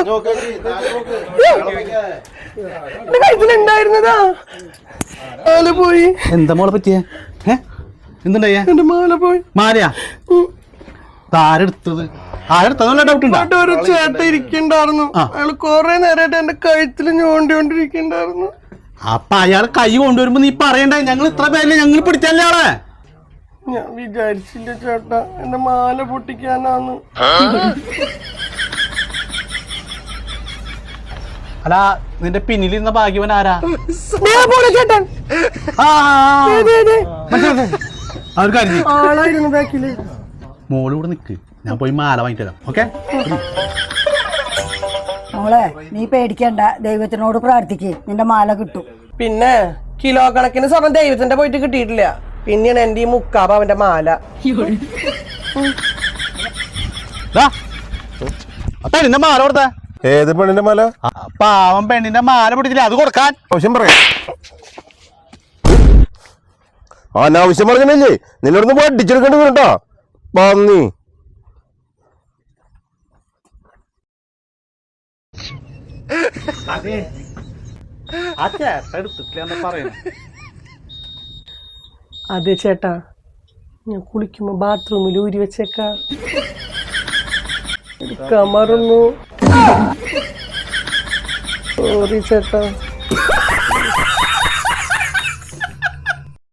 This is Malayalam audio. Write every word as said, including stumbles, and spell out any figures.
കഴുത്തിലുണ്ടായിരുന്നതാ മാല പോയി. എന്താ മോളെ പറ്റിയേ? എന്തുണ്ടായ? എന്റെ മാല പോയി. മാലയാ? ആരെടുത്തത്? ആരെടുത്തത് ഡൗട്ട് ഉണ്ടോ? ഒരു ചേട്ട ഇരിക്കണ്ടായിരുന്നു, അയാള് കൊറേ നേരമായിട്ട് എന്റെ കഴുത്തിൽ ഞോണ്ടിക്കൊണ്ടിരിക്കണ്ടായിരുന്നു. അപ്പൊ അയാൾ കൈ കൊണ്ടുവരുമ്പോ നീ പറയണ്ടേ ഞങ്ങൾ ഇത്ര പേരില് ഞങ്ങൾ പിടിച്ചല്ലേ ആളെ? ഞാൻ വിചാരിച്ചില്ല ചേട്ടാ എന്റെ മാല പൊട്ടിക്കാനാന്ന്. അല്ല നിന്റെ പിന്നിലിരുന്ന ഭാഗ്യവൻ ആരാ? ചേട്ടൻ ആളായിരുന്നു ബാക്കില്. മോള് ഇവിടെ നിക്ക്, ഞാൻ പോയി മാല വാങ്ങിട്ട് തരാം. ഓക്കെ മോളെ നീ പേടിക്കണ്ട, ദൈവത്തിനോട് പ്രാർത്ഥിക്ക്, നിന്റെ മാല കിട്ടും. പിന്നെ കിലോ കണക്കിന് സ്വർണ്ണം ദൈവത്തിന്റെ പോയിട്ട് കിട്ടിയിട്ടില്ല, പിന്നെയാണ് എന്റെ ഈ മുക്കാബ അവന്റെ മാല. പെണ്ണിന്റെ മാല കൊടുത്ത? ഏത് പെണ്ണിന്റെ മാല? പാവം പെണ്ണിന്റെ മാല പിടിച്ചില്ല, അത് കൊടുക്കാൻ. ആവശ്യം പറയാം. അനാവശ്യം പറഞ്ഞല്ലേ, നിന്നോടൊന്ന് പഠിച്ചെടുക്കേണ്ടി വരും കേട്ടോ പന്നി. അതെ ആ ചേട്ട എടുത്തിട്ടില്ല പറയുന്നത്. അതെ ചേട്ടാ, ഞാൻ കുളിക്കുമ്പോ ബാത്റൂമിൽ ഊരി വെച്ചേക്കാ, എടുക്കാൻ മറന്നു. സോറി ചേട്ടാ.